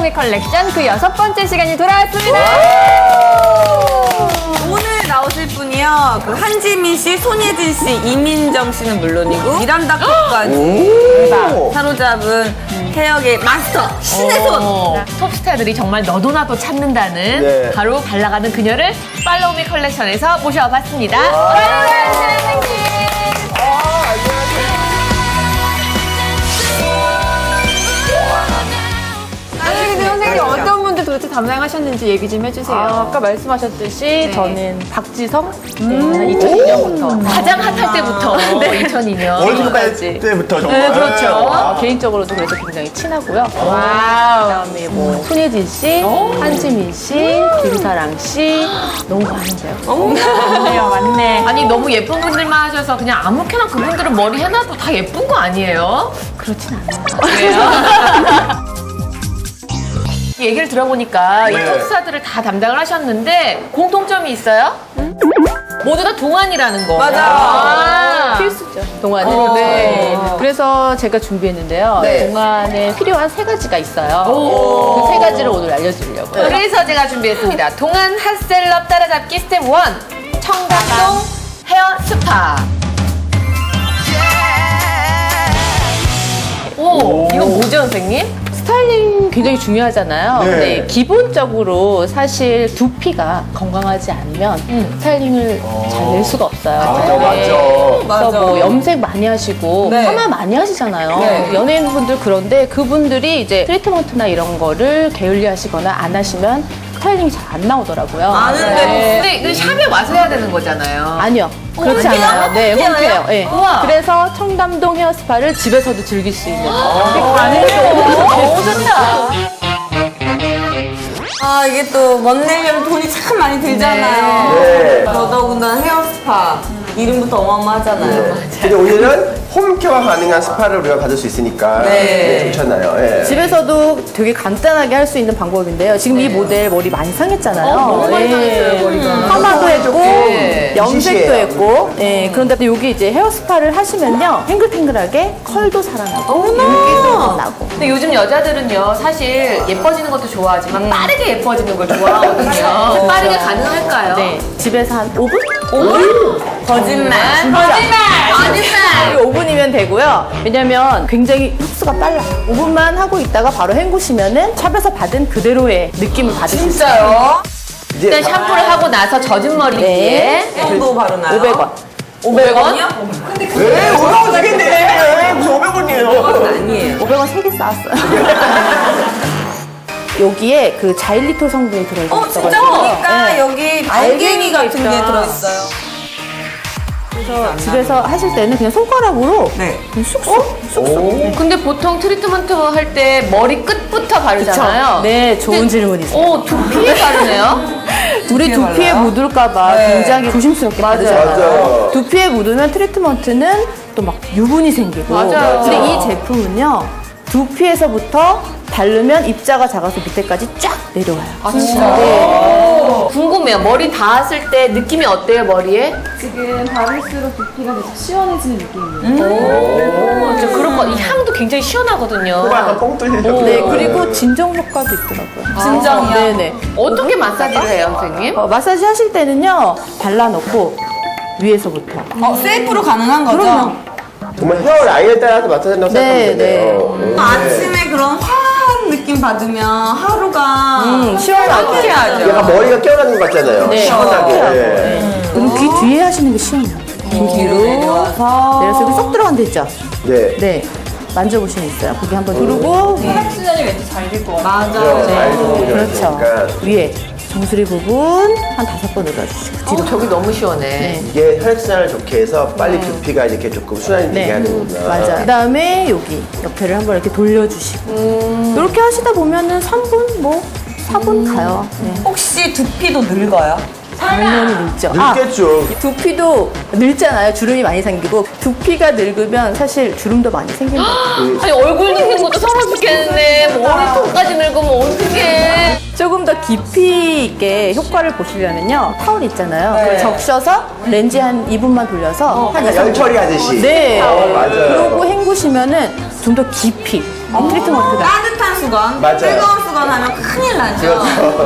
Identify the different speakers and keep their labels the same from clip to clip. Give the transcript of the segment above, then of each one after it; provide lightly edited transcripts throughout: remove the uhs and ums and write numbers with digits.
Speaker 1: 팔로우미 컬렉션 그 6번째 시간이 돌아왔습니다.
Speaker 2: 오늘 나오실 분이요. 그 한지민 씨, 손예진 씨, 이민정 씨는 물론이고 미란다 컵까지 사로잡은 헤어의 마스터 신의 손.
Speaker 1: 톱스타들이 정말 너도 나도 찾는다는 바로 발라가는 그녀를 팔로우미 컬렉션에서 모셔봤습니다. 선생님. 선생님 어떤 분들 도대체 담당하셨는지 얘기 좀 해주세요.
Speaker 3: 아까 말씀하셨듯이 저는 박지성 2002년부터
Speaker 1: 가장 핫할 때부터 2002년
Speaker 4: 월드컵 때부터 정말.
Speaker 3: 네, 그렇죠. 개인적으로도 그래서 굉장히 친하고요. 그다음에 뭐 손예진 씨, 한지민 씨, 김사랑 씨 너무 많은데요.
Speaker 1: 맞네. 아니 너무 예쁜 분들만 하셔서 그냥 아무렇게나 그분들은 머리 해놔도 다 예쁜 거 아니에요?
Speaker 3: 그렇진 않아요.
Speaker 1: 그래요? 얘기를 들어보니까 이 톱스타들을 다 담당을 하셨는데 공통점이 있어요? 모두 다 동안이라는 거.
Speaker 2: 맞아.
Speaker 3: 필수죠, 동안은. 네. 그래서 제가 준비했는데요. 동안에 필요한 3가지가 있어요. 그 3가지를 오늘 알려드리려고요.
Speaker 1: 그래서 제가 준비했습니다. 동안 핫셀럽 따라잡기 스텝 1. 청담동 헤어 스파. 오, 이거 뭐죠, 선생님?
Speaker 3: 스타일링 굉장히 중요하잖아요.
Speaker 4: 네.
Speaker 3: 근데 기본적으로 사실 두피가 건강하지 않으면 스타일링을 잘 낼 수가 없어요.
Speaker 4: 맞죠.
Speaker 3: 그래서 뭐 염색 많이 하시고 파마 많이 하시잖아요. 연예인분들 그런데 그분들이 이제 트리트먼트나 이런 거를 게을리 하시거나 안 하시면 스타일링이 잘 안 나오더라고요.
Speaker 1: 근데 이거 샵에 와서 해야 되는 거잖아요.
Speaker 3: 아니요. 그렇지 않아요. 네, 홈케어. 네.
Speaker 1: 우와.
Speaker 3: 그래서 청담동 헤어스파를 집에서도 즐길 수 있는.
Speaker 1: 너무 좋다.
Speaker 2: 아, 이게 또 먼 내려면 돈이 참 많이 들잖아요.
Speaker 4: 네.
Speaker 2: 더더군다나 헤어 스파. 이름부터 어마어마하잖아요.
Speaker 4: 근데 오늘은 홈케어가 가능한 스파를 우리가 받을 수 있으니까 좋잖아요. 예.
Speaker 3: 집에서도 되게 간단하게 할 수 있는 방법인데요. 지금 이 모델 머리 많이 상했잖아요.
Speaker 1: 너무 많이 상했어요, 머리가.
Speaker 3: 파마도 했고, 염색도
Speaker 4: 시시해요.
Speaker 3: 했고. 그런데 또 여기 이제 헤어 스파를 하시면요. 탱글탱글하게 컬도 살아나고, 윤기도 나고.
Speaker 1: 근데 요즘 여자들은요, 사실 예뻐지는 것도 좋아하지만 빠르게 예뻐지는 걸 좋아하거든요. 빠르게 가능할까요?
Speaker 3: 네. 집에서 한 5분?
Speaker 1: 5분?
Speaker 2: 거짓말.
Speaker 1: 거짓말!
Speaker 3: 5분이면 되고요. 왜냐면 굉장히 흡수가 빨라. 5분만 하고 있다가 바로 헹구시면은 샵에서 받은 그대로의 느낌을 받으실 수 있어요.
Speaker 2: 진짜요?
Speaker 1: 일단 샴푸를 하고 나서 젖은 머리 위에
Speaker 2: 정도 바르나요?
Speaker 3: 500원.
Speaker 1: 500원?
Speaker 4: 네, 500원 되겠네. 무슨 500원이에요.
Speaker 2: 아니에요.
Speaker 3: 500원 3개 쌓았어요. 여기에 그 자일리톨 성분이 들어있어요.
Speaker 2: 진짜 보니까 여기 알갱이 같은 게 들어있어요.
Speaker 3: 그래서 집에서 하실 때는 그냥 손가락으로 그냥 쑥쑥.
Speaker 1: 근데 보통 트리트먼트 할 때 머리 끝부터 바르잖아요.
Speaker 3: 네, 좋은 질문이세요.
Speaker 1: 오, 두피에 바르네요?
Speaker 3: 우리 두피에 묻을까봐 굉장히 조심스럽게 바르잖아요.
Speaker 4: 맞아요.
Speaker 3: 두피에 묻으면 트리트먼트는 또 막 유분이 생기고.
Speaker 1: 맞아요.
Speaker 3: 근데 이 제품은요, 두피에서부터 바르면 입자가 작아서 밑에까지 쫙 내려와요.
Speaker 1: 아, 진짜?
Speaker 3: 네.
Speaker 1: 궁금해요. 머리 닿았을 때 느낌이 어때요, 머리에?
Speaker 5: 지금 바를수록 두피가 계속 시원해지는 느낌이에요.
Speaker 1: 저 그런 거, 이 향도 굉장히 시원하거든요.
Speaker 4: 코가 약간 뻥 뚫리죠.
Speaker 3: 네, 그리고 진정 효과도 있더라고요.
Speaker 2: 진정이요?
Speaker 3: 네네.
Speaker 1: 어떻게 마사지를 해요, 선생님?
Speaker 3: 마사지 하실 때는요, 발라놓고 위에서부터.
Speaker 2: 셀프로 가능한 거죠?
Speaker 3: 그럼요.
Speaker 4: 정말 헤어 라인에 따라서 맞춰진다고 생각하면
Speaker 3: 네,
Speaker 4: 되네요.
Speaker 2: 아침에 그런 화한 느낌 받으면 하루가
Speaker 3: 시원하고.
Speaker 2: 상쾌하죠.
Speaker 4: 약간 머리가 깨어나는 것 같잖아요.
Speaker 3: 네,
Speaker 4: 시원하게.
Speaker 3: 그리고 귀 뒤에 하시는 게 시원해요.
Speaker 2: 뒤로 내려와서
Speaker 3: 내려서 여기 쏙 들어간 데 있죠?
Speaker 4: 네.
Speaker 3: 네. 만져보시면 있어요. 거기 한번 누르고.
Speaker 5: 혈액순환이 왠지 잘 될 것 같아요.
Speaker 2: 맞아요.
Speaker 4: 잘 들어오죠.
Speaker 3: 그렇죠.
Speaker 4: 그러니까
Speaker 3: 위에 정수리 부분 한 5번 눌러주시고. 뒤로.
Speaker 1: 저기 너무 시원해.
Speaker 3: 네.
Speaker 4: 이게 혈액순환을 좋게 해서 빨리 두피가 이렇게 조금 순환이 되게 하는구나.
Speaker 3: 맞아요. 그 다음에 여기 옆에를 한번 이렇게 돌려주시고. 이렇게 하시다 보면은 3분, 뭐, 4분 가요. 네.
Speaker 2: 혹시 두피도 늙어요?
Speaker 3: 당연히 늙죠.
Speaker 4: 늙겠죠.
Speaker 3: 두피도 늙잖아요. 주름이 많이 생기고 두피가 늙으면 사실 주름도 많이 생긴다.
Speaker 1: 아니 얼굴 늙는 것도 서러 죽겠네. 머리통까지 늙으면 어떡해.
Speaker 3: 조금 더 깊이 있게 효과를 보시려면요. 타올 있잖아요. 그걸 적셔서 렌즈 한 2분만 돌려서 한
Speaker 4: 열 처리하듯이.
Speaker 3: 네.
Speaker 4: 맞아요.
Speaker 3: 그러고 헹구시면은 좀 더 깊이 트리트먼트가.
Speaker 2: 따뜻한 수건,
Speaker 4: 맞아요.
Speaker 2: 뜨거운 수건 하면 큰일 나죠.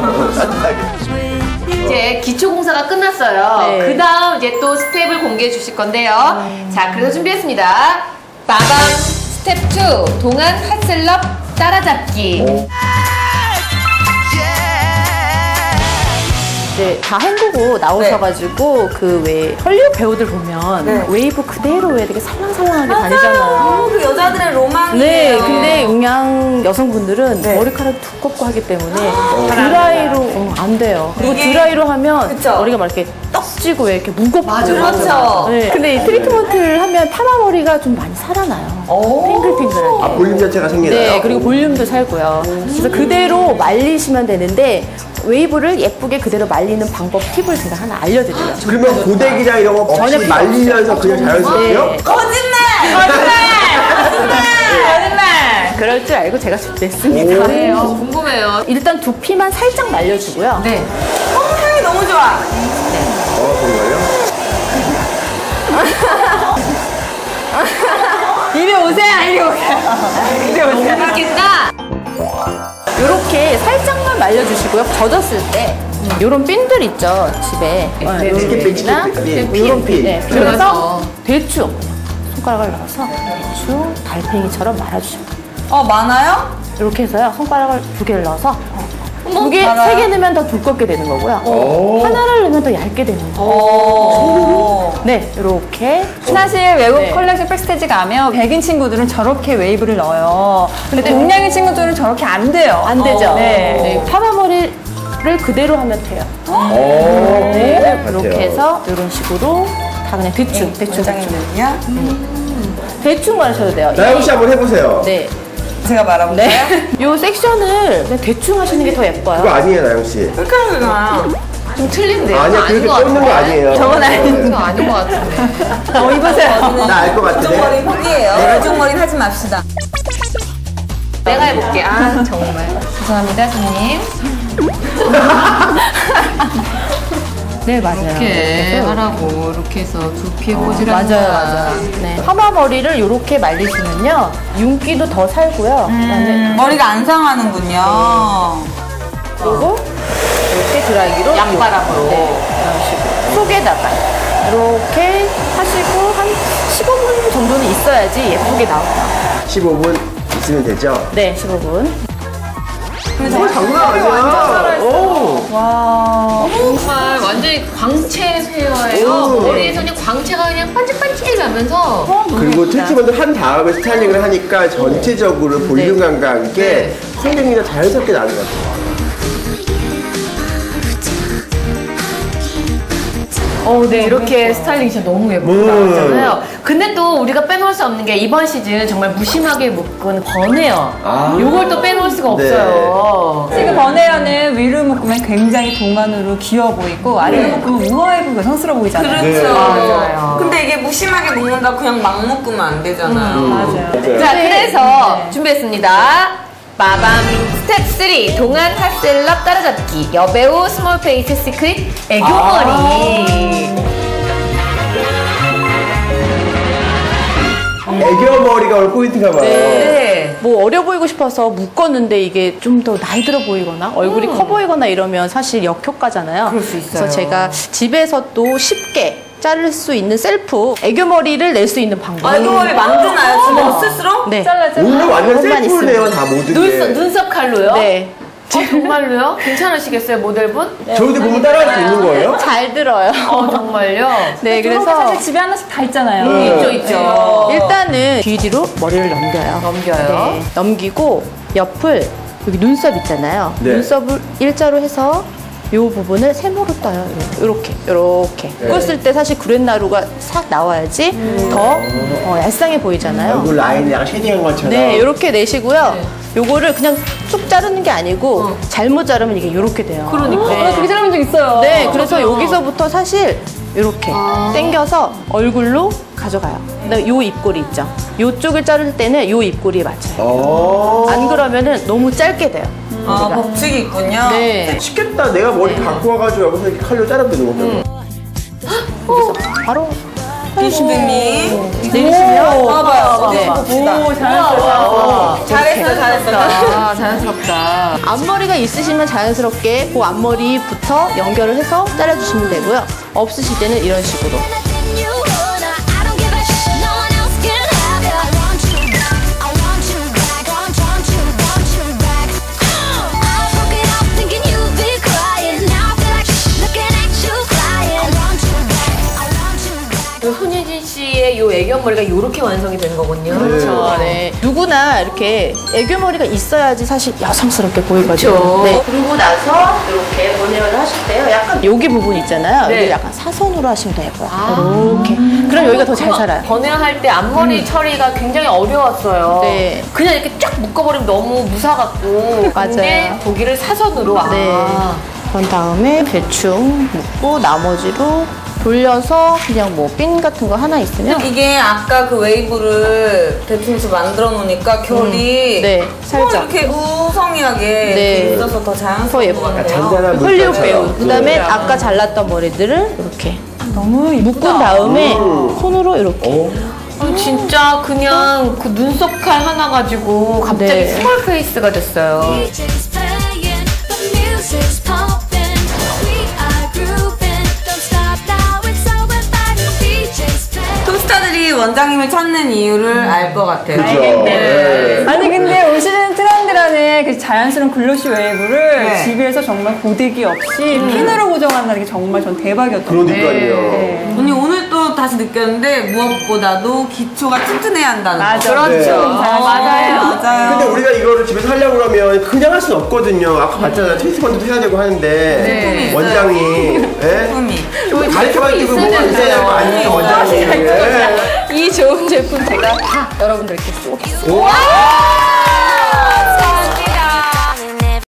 Speaker 1: 이제 기초공사가 끝났어요.
Speaker 3: 네.
Speaker 1: 그 다음 이제 또 스텝을 공개해 주실 건데요. 자, 그래서 준비했습니다. 마밤 스텝 2, 동안 핫셀럽 따라잡기.
Speaker 3: 이제 다 헹구고 나오셔가지고 그 왜 헐리우드 배우들 보면 웨이브 그대로 왜 되게 살랑살랑하게 다니잖아요.
Speaker 2: 그 여자들의 로망이에요.
Speaker 3: 네, 근데 영양 여성분들은 머리카락이 두껍고 하기 때문에 드라이로 안 돼요. 그리고 드라이로 하면
Speaker 2: 그쵸?
Speaker 3: 머리가 막 이렇게 떡지고 왜 이렇게 무겁고.
Speaker 2: 그렇죠.
Speaker 3: 네. 근데 이 트리트먼트를 하면 파마 머리가 좀 많이 살아나요. 핑글핑글하게.
Speaker 4: 아, 볼륨 자체가 생기나요?
Speaker 3: 네, 그리고 볼륨도 살고요. 그래서 그대로 말리시면 되는데 웨이브를 예쁘게 그대로 말리는 방법 팁을 제가 하나 알려드려요.
Speaker 4: 그러면 고데기랑 이런 거 없이
Speaker 3: 전혀
Speaker 4: 말리면서 그냥 자연스럽게요?
Speaker 3: 네.
Speaker 2: 거짓말!
Speaker 3: 그럴 줄 알고 제가 준비했습니다.
Speaker 1: 네, 궁금해요.
Speaker 3: 일단 두피만 살짝 말려주고요.
Speaker 1: 네.
Speaker 2: 향이 너무 좋아.
Speaker 4: 정말요?
Speaker 2: 이리 오세요, 이리 오세요.
Speaker 1: 너무 웃긴다.
Speaker 3: 이렇게 살짝만 말려주시고요. 젖었을 때 이런 핀들 있죠, 집에.
Speaker 4: 스킨핀,
Speaker 3: 핀이나
Speaker 4: 스킨핀.
Speaker 3: 이런 핀. 네,
Speaker 1: 들어가서.
Speaker 3: 그래서 대충 손가락을 넣어서 대충 달팽이처럼 말아주시면 돼요.
Speaker 2: 많아요?
Speaker 3: 이렇게 해서요. 손가락을 2개를 넣어서 2개,
Speaker 2: 많아요?
Speaker 3: 3개 넣으면 더 두껍게 되는 거고요. 하나를 넣으면 더 얇게 되는 거예요. 네, 이렇게.
Speaker 5: 사실 외국
Speaker 3: 네.
Speaker 5: 컬렉션 백스테이지 가면 백인 친구들은 저렇게 웨이브를 넣어요. 근데 동양인 친구들은 저렇게 안 돼요.
Speaker 3: 안 되죠?
Speaker 5: 네.
Speaker 3: 네, 파마머리를 그대로 하면 돼요.
Speaker 4: 네,
Speaker 3: 이렇게 해서 이런 식으로 다 그냥 대충, 대충.
Speaker 2: 원장님은요?
Speaker 3: 대충 말하셔도 돼요.
Speaker 4: 나영 씨 한번 해보세요.
Speaker 3: 네.
Speaker 2: 제가 말아볼까요?
Speaker 3: 네. 요 섹션을 그냥 대충 하시는 게 더
Speaker 4: 그거
Speaker 3: 예뻐요.
Speaker 4: 아니에요, 나영 씨.
Speaker 2: 그렇게 하면
Speaker 1: 좀 틀린데요?
Speaker 4: 아니야, 그렇게 쫓는 거 아니에요.
Speaker 3: 저건 아닌데.
Speaker 1: 이거 아닌 것 같은데.
Speaker 3: 입으세요.
Speaker 4: 나 알 것 같은데.
Speaker 2: 이쪽머리 포기해요. 이쪽머리는 하지 맙시다.
Speaker 1: 내가 해볼게. 아, 정말. 죄송합니다, 손님.
Speaker 3: 네, 맞아요.
Speaker 1: 이렇게 하라고, 이렇게 해서 두피에 꽂으라는
Speaker 3: 맞아요,
Speaker 1: 거야.
Speaker 3: 맞아요. 네. 파마 머리를 이렇게 말리시면요. 윤기도 더 살고요. 그다음에
Speaker 2: 머리가 안 상하는군요.
Speaker 3: 그리고 이렇게 드라이기로
Speaker 1: 양바람으로.
Speaker 3: 네, 이런 식으로 속에다가 이렇게 하시고 한 15분 정도는 있어야지 예쁘게 나와요.
Speaker 4: 15분 있으면 되죠?
Speaker 3: 네, 15분.
Speaker 4: 장난 아니야. 오.
Speaker 1: 정말 완전히 광채 헤어예요. 머리에서 그냥 광채가 그냥 반짝반짝하면서
Speaker 4: 그리고 트리트먼트 한 다음에 스타일링을 하니까 전체적으로 볼륨감과 함께 성경이 더 자연스럽게 나는 것 같아요.
Speaker 1: 네, 이렇게 스타일링이 진짜 너무 예쁘게 나왔잖아요. 근데 또 우리가 빼놓을 수 없는 게 이번 시즌 정말 무심하게 묶은 버네어. 요걸 또 빼놓을 수가 없어요.
Speaker 5: 지금 버네어는 위로 묶으면 굉장히 동안으로 귀여워 보이고 아래로 묶으면 우아해 보이고 여성스러워 보이잖아요.
Speaker 2: 그렇죠.
Speaker 1: 맞아요.
Speaker 2: 근데 이게 무심하게 묶는다 그냥 막 묶으면 안 되잖아요.
Speaker 5: 맞아요.
Speaker 1: 자, 그래서 준비했습니다. 마밤 스텝 3 동안 핫셀럽 따라잡기 여배우 스몰 페이스 시크릿 애교머리.
Speaker 4: 애교 머리가 오늘 포인트가 봐요.
Speaker 1: 네.
Speaker 3: 뭐 어려 보이고 싶어서 묶었는데 이게 좀 더 나이 들어 보이거나 얼굴이 커 보이거나 이러면 사실 역효과잖아요.
Speaker 1: 그럴 수 있어요.
Speaker 3: 그래서 제가 집에서 또 쉽게 자를 수 있는 셀프 애교머리를 낼 수 있는 방법.
Speaker 2: 애교머리 만드나요? 지금 스스로?
Speaker 3: 네.
Speaker 4: 오늘 완전
Speaker 3: 그것만
Speaker 4: 셀프네요,
Speaker 3: 있으면.
Speaker 4: 다 모든 게.
Speaker 1: 눈썹 칼로요?
Speaker 3: 네.
Speaker 1: 정말로요? 괜찮으시겠어요, 모델분?
Speaker 4: 저희도 보면 따라할 수 있는 거예요?
Speaker 3: 잘 들어요.
Speaker 1: 정말요?
Speaker 3: 네,
Speaker 5: 그래서
Speaker 3: 그래서
Speaker 5: 사실 집에 하나씩 다 있잖아요.
Speaker 1: 있죠.
Speaker 3: 일단은 뒤로 머리를 넘겨요.
Speaker 1: 넘겨요.
Speaker 3: 네, 넘기고 옆을 여기 눈썹 있잖아요.
Speaker 4: 네.
Speaker 3: 눈썹을 일자로 해서 요 부분을 세모로 떠요. 이렇게.
Speaker 4: 네.
Speaker 3: 꽂을 때 사실 구렛나루가 싹 나와야지 더 얄쌍해 보이잖아요.
Speaker 4: 얼굴 라인에 약간 쉐딩한 것처럼.
Speaker 3: 네, 이렇게 내시고요. 요거를 그냥 쭉 자르는 게 아니고 잘못 자르면 이게 이렇게 돼요.
Speaker 1: 그러니까.
Speaker 3: 네.
Speaker 5: 그렇게 자르는 적 있어요.
Speaker 3: 네, 그래서 여기서부터 사실 이렇게 당겨서 얼굴로 가져가요. 그다음에 요 입꼬리 있죠. 요쪽을 자를 때는 요 입꼬리에 맞춰요. 안 그러면은 너무 짧게 돼요.
Speaker 2: 아,
Speaker 3: 우리가.
Speaker 2: 법칙이 있군요.
Speaker 3: 네.
Speaker 4: 쉽겠다. 내가 머리 갖고 와가지고 여기서 이렇게 칼로 자르면 되는 거죠.
Speaker 3: 여기서 바로
Speaker 2: 유시빈님.
Speaker 3: 내리시면
Speaker 2: 봐봐요. 어디
Speaker 3: 네.
Speaker 2: 봅시다.
Speaker 5: 오, 잘했어요.
Speaker 2: 잘했어.
Speaker 1: 자연스럽다.
Speaker 3: 앞머리가 있으시면 자연스럽게 그 앞머리부터 연결을 해서 잘라주시면 되고요. 없으실 때는 이런 식으로.
Speaker 1: 손예진 씨의 요 애교머리가 이렇게 완성이 된 거군요.
Speaker 3: 그렇죠. 네. 누구나 이렇게 애교머리가 있어야지 사실 여성스럽게 보이거든요.
Speaker 1: 그렇죠.
Speaker 3: 네. 그러고 나서 이렇게 번외를 하실 때요. 약간 여기 부분 있잖아요.
Speaker 1: 네.
Speaker 3: 여기 약간 사선으로 하시면 돼요. 이렇게. 그럼 여기가 더 잘 살아요.
Speaker 1: 번외할 때 앞머리 처리가 굉장히 어려웠어요.
Speaker 3: 네.
Speaker 1: 그냥 이렇게 쫙 묶어버리면 너무 무사같고. 근데
Speaker 3: 맞아요.
Speaker 1: 거기를 사선으로.
Speaker 3: 네. 그런 다음에 대충 묶고 나머지로 돌려서 그냥 뭐 핀 같은 거 하나 있으면
Speaker 2: 이게 아까 그 웨이브를 대충해서 만들어 놓으니까 결이
Speaker 3: 네, 살짝.
Speaker 2: 이렇게 우성하게
Speaker 3: 네.
Speaker 2: 있어서 더
Speaker 3: 더
Speaker 2: 자연스러운
Speaker 3: 예뻐요.
Speaker 2: 것 같아요.
Speaker 4: 잔잔한
Speaker 3: 헐리우드
Speaker 4: 물감처럼.
Speaker 3: 배우. 그다음에 아까 잘랐던 머리들을 이렇게
Speaker 5: 너무
Speaker 3: 묶은 다음에 손으로 이렇게.
Speaker 1: 진짜 그냥 그 눈썹 칼 하나 가지고 갑자기
Speaker 3: 네.
Speaker 1: 스몰 페이스가 됐어요.
Speaker 6: DJ's playing, the music's pumping. We are grooving, don't stop now, it's so exciting. DJ's playing.
Speaker 2: 톱스타들이 원장님을 찾는 이유를 알 것 같아요.
Speaker 4: 그죠. 네.
Speaker 5: 아니 근데 요즘 트렌드라는 그 자연스러운 글로시 웨이브를
Speaker 2: 네.
Speaker 5: 집에서 정말 고데기 없이 핀으로 고정한다는 게 정말 전 대박이었던 것 같아요.
Speaker 4: 그러니까요.
Speaker 2: 언니 오늘 또 다시 느꼈는데 무엇보다도 기초가 튼튼해야 한다는 거.
Speaker 5: 맞아.
Speaker 4: 네.
Speaker 1: 맞아요.
Speaker 2: 맞아요.
Speaker 4: 근데 우리가 이거를 집에서 하려고 그러면 그냥 할 수는 없거든요. 아까 봤잖아요. 트리트먼트도 해야 되고 하는데
Speaker 1: 네.
Speaker 4: 원장이
Speaker 2: 품이.
Speaker 4: 좀 가르쳐가지고
Speaker 1: 있어야
Speaker 4: 뭐가 있어야 될거 아니에요, 원장님. 네.
Speaker 3: 이 좋은 제품 제가 다 여러분들께 쏘겠습니다.
Speaker 4: 오.